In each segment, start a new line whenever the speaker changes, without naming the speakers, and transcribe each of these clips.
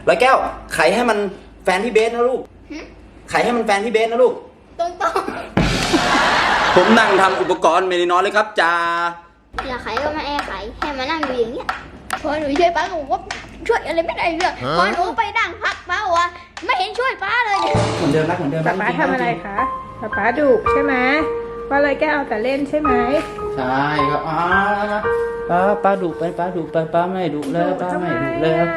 ร้อยแก้วไขให้มันแฟนพี่เบสนะลูกไขให้มันแฟนพี่เบสนะลูก
ตรง
ผมนั่งทำอุปกรณ์ไม่ได้นอนเลยครับจ้า
อย่าไขก็มาแอร์ไขให้มานั่งอยู่อย่างเงี้ยพอหนูช่วยป้าหนูก็ช่วยอะไรไม่ได้เลยพอหนูไปนั่งพักป้าว่าไม่เห็นช่วยป้าเลย
เหมือนเดิมนะเหมือนเดิม
ป๊าทำอะไรคะป๊าดุใช่ไหมว่าเลยแกเอาแต่เล่นใช่ไหม
ใช่ครับป้าดุไปป้าดุไปป้าไม่ดุแล้วป้าไม่ดุแล้ว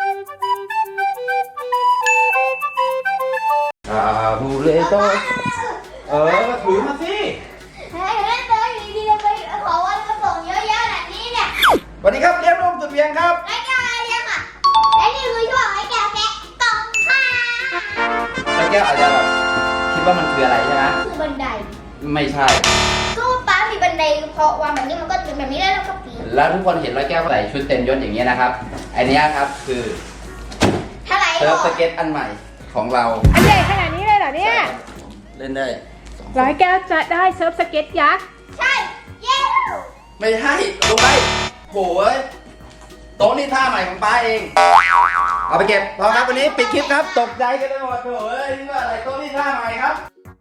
บูเลโตถือมาสิ
เฮ้ยเล่นเลยดีๆเลยไปขอวันมาส่งเยอะแยะแบบนี้เนี่ย
สวัสดีครับเลี้ยงนมสุดเวียงครับ
ไอ้แก้วอะไรเลี้ยงอ่ะและนี่คือช่วงไอ้แก้วแกะกล่องค่ะ
ไอ้แก้วอาจจะแบบคิดว่ามันคืออะไรใช่ไหม
คือบันได
ไม่ใช่
ก็ป้ามีบันไดพอวางแบบนี้มันก็เป็นแบบนี้แล้วก็ปีน
แล้วทุกคนเห็นร้อยแก้วใส่ชุดเต็มยศอย่างเงี้ยนะครับอันนี้ครับคือเซิร์ฟสเก็ตอันใหม่ของเรา
อันใหญ่ขนาดนี้เลยเหรอเนี่ย
เล่นได้
ร้อยแก้วจะได้เซิร์ฟสเก็ตยักษ์
ใช่เย้
ไม่ใช่ลงไปโหยโต๊ะนี่ท่าใหม่ของป้าเองเอาไปเก็บพอครับวันนี้ปิดคลิปครับตกใจกันเลยหมดโถ่ยนี่ว่าอะไรโต๊ะนี่ท่าใหม่ครับ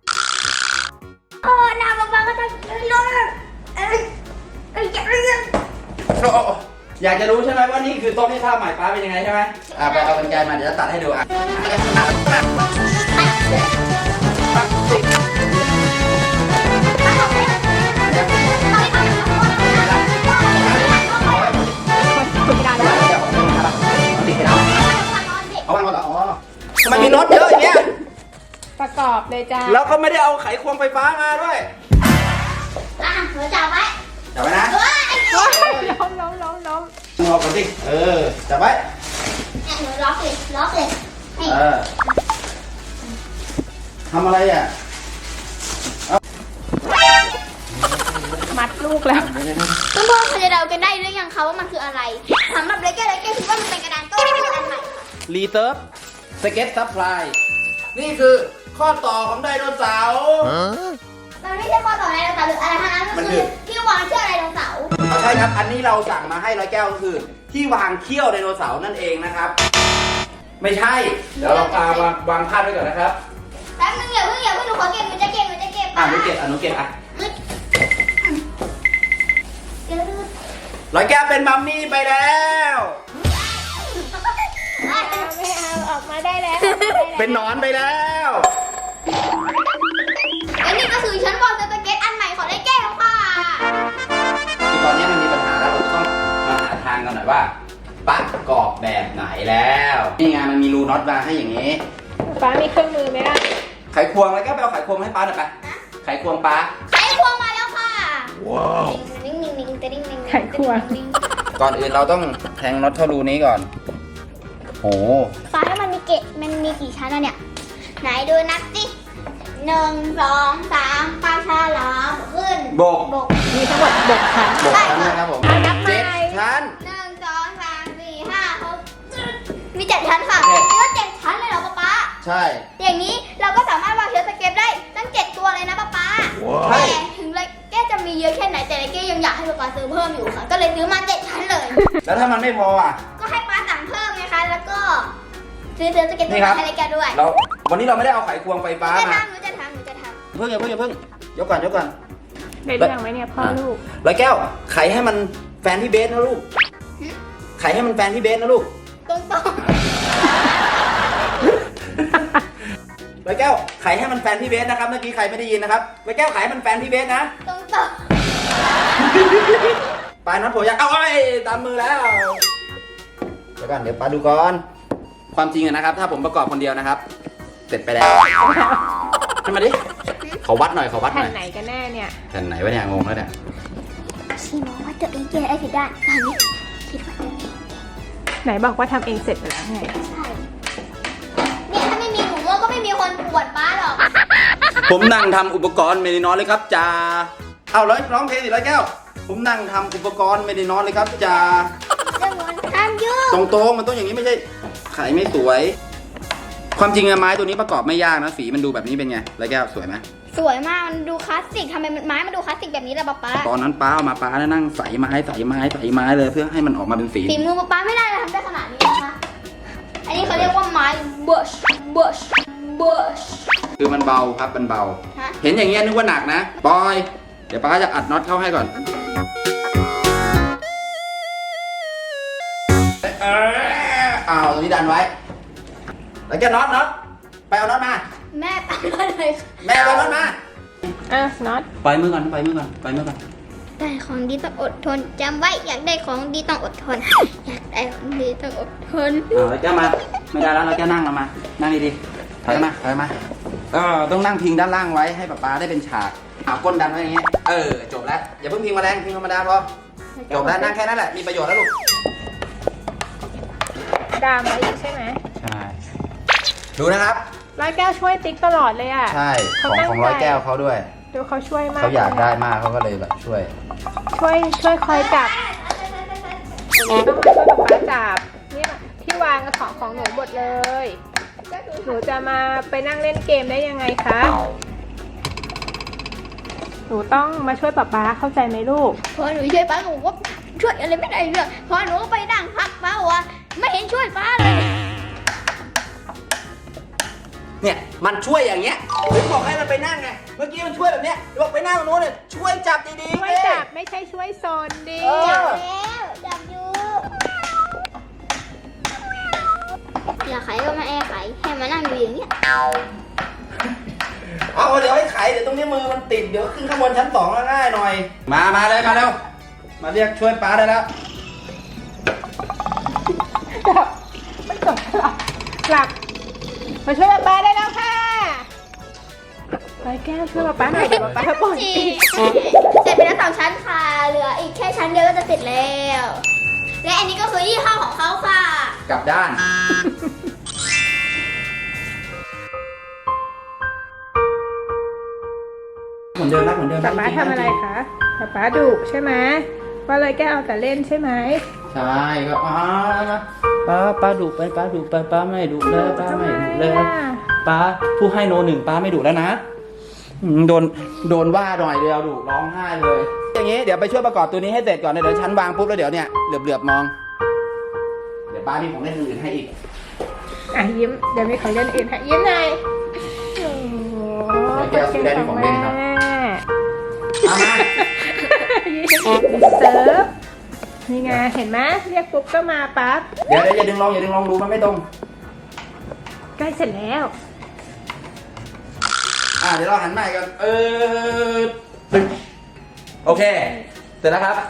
น้ำบ้าก็จะลง
อยากจะรู้ใช่ไหมว่านี่คือโต๊ะนี่ท่าใหม่ป้าเป็นยังไงใช่ไหมไปเอากรรไกรมาเดี๋ยวจะตัดให้ดูทำไมมีน็อตเยอะอย่างเงี้ย
ประกอบเลยจ้า
แล้วก็ไม่ได้เอาไขควงไฟฟ้ามาด้วย
หนูจับไว้
จับไว้นะ
ล้ม
งอกันสิจับไว้
หนูล็อกเลย
ทำอะไรอ่ะ
มัดลูกแล้ว
เพื่อนๆเขาจะเดากันได้หรือยังคะว่ามันคืออะไรสำหรับเลเก้คิดว่ามันเป็นกระดานโต้อันใหม่
รีเซิร์ฟสเก็ตซัพพลายนี่คือข้อต่อของไดโนเสาร์
มันไม่ใช่ข้อต่อไดโนเสาร์หรืออะไรทั้งนั้นมันคือที่วางเชือกไดโนเสาร์
ใช่ครับอันนี้เราสั่งมาให้ร้อยแก้วก็คือที่วางเขี้ยวไดโนเสาร์นั่นเองนะครับไม่ใช่เดี๋ยวเราวางพาดไว้ก่อนนะครับ
แป๊บนึงอย่าเพิ่งหนูขอเก็บหนูจะเก็บ
หนูเก็บร้อยแก้วเป็นมัมมี่ไปแล้ว
ไม่เอาออกมาได้แล้ว
เป็นหนอนไปแล้ว
และนี่ก็คือชั้นบอลสเก็ตอันใหม่ของไอ้แก้วค่ะ
ที่ตอนนี้มันมีปัญหาแล้วเราต้องมาหาทางกันหน่อยว่าประกอบแบบไหนแล้วนี่ไงมันมีรูน็อตวางให้อย่างนี้
ป้ามีเครื่องมือไหมล่ะ
ไขควงแล้วก็ไปเอาไขควงให้ป้าหน่อยไปไขควงป้า
ไขควงมาแล้วค่ะ
ว้าว
นิ่ง
ไขควง
ก่อนอื่นเราต้องแทงน็อตเข้ารูนี้ก่อนโอ้
ฟ้าให้มันมีกี่ชั้นแล้วเนี่ยไหนดูนับสิ1 2 3ปลาฉลามขึ้น
บก
มีทั้งหมด6 ชั้น
นะครับผม7 ชั้น
1 2 3 4 5 6มี7 ชั้นค่ะมีว่า7 ชั้นเลยเหรอป๊า
ใช่
อย่างนี้เราก็สามารถวางเชือกสเก็ตได้ตั้ง7 ตัวเลยนะป๊าแต่ถึงเลยแกจะมีเยอะแค่ไหนแต่แกยังอยากให้ป๊าซื้อเพิ่มอยู่ค่ะก็เลยซื้อมา7 ชั้นเลย
แล้วถ้ามันไม่พออ่ะ
ก็ให้ป๊าสั่งเพิ่มไงคะแล้วก็ซื้อสเก็ตตัวให้แกด้วย
วันนี้เราไม่ได้เอาไขควงไฟฟ้ามา
หนูจะทำ
เพิ่งยกก่อน
ได้เรื่องไหมเนี่ยพ่อลูก
ร้อยแก้วไขให้มันแฟนพี่เบสนะลูกไขให้มันแฟนพี่เบสนะลูก
ตรง
ร้อยแก้วไขให้มันแฟนพี่เบสนะครับเมื่อกี้ใครไม่ได้ยินนะครับร้อยแก้วไขให้มันแฟนพี่เบสนะ
ตรง
ปลายน็อตโผล่ยังเอาไว้ตามมือแล้วเดี๋ยวก่อนเดี๋ยวป้าดูก่อนความจริงนะครับถ้าผมประกอบคนเดียวนะครับเสร็จไปแล้วขึ้นมาดิขอวัดหน่อย
แผ่นไหนกันแน่เนี่ย
แผ่นไหนวะเนี่ยงงแล้วเนี่ย
ชี้มองว่าตัวเองแก้ได้ผิดได้ตอนนี้คิดว่าตัวเอง
ไหนบอกว่าทำเองเสร็จไปแล้วไง
ใช่เนี่ยถ้าไม่มีหนูก็ไม่มีคนปวดป้าหรอก
ผมนั่งทำอุปกรณ์ไม่ได้นอนเลยครับจ่าเอาร้องเพลงสิร้อยแก้วผมนั่งทำอุปกรณ์ไม่ได้นอนเลยครับจ่า
ห้ามยุ่ง
ตรงมันต้องอย่างนี้ไม่ใช่ไขไม่สวยความจริงไม้ตัวนี้ประกอบไม่ยากนะสีมันดูแบบนี้เป็นไงร้อยแก้วสวยไหม
สวยมากมันดูคลาสสิกทำไมไม้มันดูคลาสสิกแบบนี้ล่ะป๊า
ตอนนั้นป้าเอามาป้านั่งใส่ไม้เลยเพื่อให้มันออกมาเป็นสี
มือป๊าไม่ได้ทำได้ขนาดนี้นะคะอันนี้เขาเรียกว่าไม้เบิร์ชเบิร์ชเบิร์ช
คือมันเบาครับมันเบา
ฮะ
เห็นอย่างเงี้ยนึกว่าหนักนะบอย เดี๋ยวป้าจะอัดน็อตเข้าให้ก่อนเอาตรงนี้ดันไว้ แล้วแกน็อตไปเอาน็อตมา
แม่ตามมาเลยค่ะ
แม่เอาน็อตมา
อ่ะน็อต
ปล่อยมือก่อน
ได้ของดีต้องอดทนจำไว้อยากได้ของดีต้องอดทน อยากได้ของดีต้องอดทน
แล้วแกมา ไม่ได้แล้วเราแกนั่งเรามา นั่งดีๆถอยมาต้องนั่งพิงด้านล่างไว้ให้ป๊าได้เป็นฉากเอาก้นดันไว้อย่างเงี้ยจบแล้ว อย่าเพิ่งพิงมาแรงพิงธรรมดาพอ จบแล้วนั่งแค่นั้นแหละ มีประโยชน์แล้วลูก
ดามไว้อีกใช่ไหม
ใช่ ดูนะครับ
ร้อยแก้วช่วยติ๊กตลอดเลยอ่ะ
ใช่ ของร้อยแก้วเขาด้วย
ดูเขาช่วยมาก
เขาอยากได้มากเขาก็เลยแบบช่วย
ช่วยคอยจับต้องมาช่วยป๊าป๊าจับนี่ที่วางของหนูหมดเลย หนูจะมาไปนั่งเล่นเกมได้ยังไงคะ หนูต้องมาช่วยป๊าป๊าเข้าใจไหมลูก
พอหนูช่วยป้าหนูก็ช่วยอะไรไม่ได้เลยพอหนูไปนั่งพักป้าบอกว่าไม่เห็นช่วยป้าเลย
เนี่ยมันช่วยอย่างเงี้ยถึงบอกให้มันไปนั่งไง เมื่อกี้มันช่วยแบบเนี้ยบอกไปนั่งตรงโน้นเนี่ยช่วยจับดีๆ
ช่วยจับไม่ใช่ช่วยโซนดิ
จับแล้วจับอยู่อยากไขก็มาแอร์ไขให้มานั่งอยู่อย่างเงี้ย
เอาเดี๋ยวให้ไขเดี๋ยวตรงนี้มือมันติดเดี๋ยวขึ้นข้างบนชั้น2แล้วง่ายหน่อย มาเลยมาเร็วมาเรียกช่วยป้าได้แล้ว
จับไม่จบหลับมาช่วยป๊าป๊าได้แล้วค่ะร้อยแก้วช่วยป๊าป๊าหน่อยเดี๋ยวป๊าป๊าปวด
จริ
ติ
งเสร็จไปแล้ว2 ชั้นค่ะเหลืออีกแค่ชั้นเดียวก็จะเสร็จแล้ว และอันนี้ก็คือยี่ห้อของเขาค่ะ
กลับด้าน เหมือนเดิมนะเหมือนเดิม
ป๊าป๊าทำอะไรคะป๊าป๊าดุใช่ไหมว่าเลยแก้วเอาแต่เล่นใช่ไหม
ใช่ก็ป้าดุไปป้าดุไปป้าไม่ดุแล้วป้าไม่ดุแล้วป้าผู้ให้โน1ป้าไม่ดุแล้วนะโดนว่าหน่อยเดียวดุร้องไห้เลย อย่างนี้เดี๋ยวไปช่วยประกอบตัวนี้ให้เสร็จก่อนเดี๋ยวชั้นวางปุ๊บแล้วเดี๋ยวเนี่ยเหลือบมอง เดี๋ยวป้ามีของเล่นอื่นให้อีก
อ่ะยิ้มเดี๋ยวมีของเล่นอื่นให้ยิ้มหน่อยโอ้โห
แก้วซื้อได้ที่ของเล่นครับ เอามา
เซิร์ฟนี่ไงเห็นไหมเรียกปุ๊บก็มาปั๊บ
เดี๋ยวอย่าดึงลองดูมันไม่ตรง
ใกล้เสร็จแล้ว
เดี๋ยวเราหันใหม่กันตึ๊งโอเค เสร็จแล้วครับ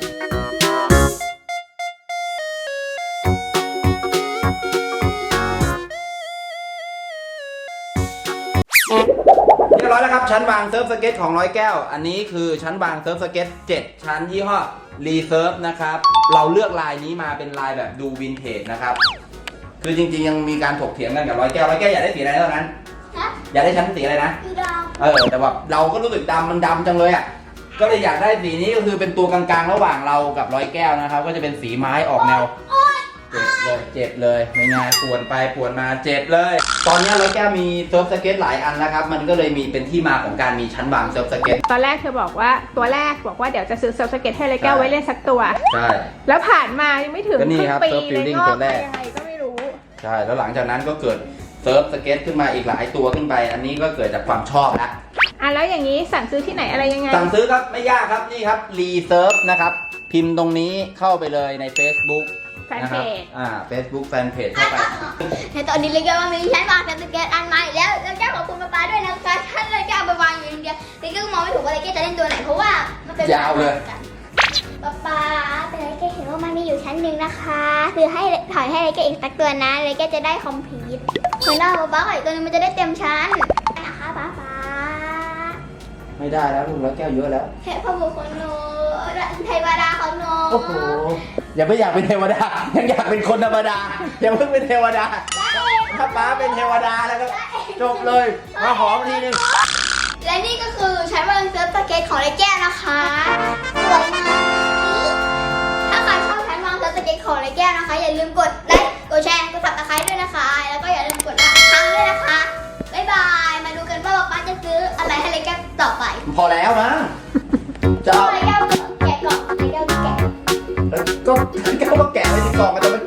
เรียบร้อยแล้วครับชั้นวางเซิร์ฟสเก็ตของร้อยแก้ว อันนี้คือชั้นวางเซิร์ฟสเก็ต7ชั้นยี่ห้อรีเซิร์ฟนะครับ เราเลือกลายนี้มาเป็นลายแบบดูวินเทจนะครับ คือจริงๆยังมีการถกเถียงกันกับร้อยแก้วอยากได้สีอะไรเท่านั้น
ฮะ
อยากได้ชั้นสีอะไรนะ
คือดาว
แต่ว่าเราก็รู้สึกมันดำจังเลยอ่ะ ก็เลยอยากได้สีนี้ก็คือเป็นตัวกลางๆระหว่างเรากับร้อยแก้วนะครับ ก็จะเป็นสีไม้ออกแนว เจ็บเลยไม่ง่ายปวดไปปวดมาเจ็บเลย ตอนนี้ร้อยแก้วมีเซิร์ฟสเก็ตหลายอันแล้วครับ มันก็เลยมีเป็นที่มาของการมีชั้นวางเซิร์ฟสเก็ต
ตอนแรกเธอบอกว่าตัวแรกบอกว่าเดี๋ยวจะซื้อเซิร์ฟสเก็ตให้เลยแก้วไว้เล่นสักตัว
ใช่
แล้วผ่านมายังไม่ถึง
ก็นี่
ครึ่ง
ครับ
ปี
เซิร์ฟ
เลย
Building
งอก
ตัวแร
มาก ยังไงก็ไม่รู้
ใช่แล้วหลังจากนั้นก็เกิดเซิร์ฟสเก็ตขึ้นมาอีกหลายตัวขึ้นไป อันนี้ก็เกิดจากความชอบแล้ว
แล้วอย่างนี้สั่งซื้อที่ไหนอะไรยังไง
สั่งซื้อครับไม่ยากครับนี่ครับรีเซิร์ฟนะครับพิมพ์ตรงนี้เข้าไปเลยใน Facebook
แฟนเพจ
Facebook แฟนเพจเข้าไป
ในตอนนี้เลยแก้วว่ามีชั้นวางเซิร์ฟสเก็ตอันใหม่แล้วแก้วขอบคุณป๊าด้วยนะคะท่านเลยแก้วไปวางอยู่อย่างเดียวเลยแก้วมองไม่ถูกว่าเลยแก้วจะเล่นตัวไหนเพราะว่ามันเป็น
ยาวเลย
ป๊าแต่เลยแก้วเห็นว่ามันมีอยู่ชั้นหนึ่งนะคะคือให้ถอยให้เลยแก้วอีกสักตัวนะเลยแก้วจะได้คอมพลีทเหมือนเอาป๊าอีกตัวนึงมันจะได้เต็มชั้นนะคะป๊า
ไม่ได้แล้วลูกร้อยแก้วเยอะแล้ว
เทพบุตรของหนูเทวดาของหนู
โอ้โหอย่าไม่อยากเป็นเทวดายังอยากเป็นคนธรรมดาอย่าเพิ่งเป็นเทวดาถ้าป้าเป็นเทวดาแล้วก็จบเลยมาหอมทีนึง
และนี่ก็คือใช้วางเซิร์ฟสเก็ตของไอ้แก้วนะคะสวยมากถ้าใครชอบใช้วางเซิร์ฟสเก็ตของไอ้แก้วนะคะอย่าลืมกดไลค์กดแชร์กดซับสไครต์ด้วยนะคะแล้วก็อย่าลืมกดละครั้งด้วยนะคะบ๊ายบายมาดูกันว่าป๊าจะซื้ออะไรให้ไอ้แก้วต่อไป
พอแล้วนะจะ
ไอ้แก้วแกะก่อนไอ้แก้วแกะ
ก็แก้วก็แกะไปที่กล่องมันจะไม่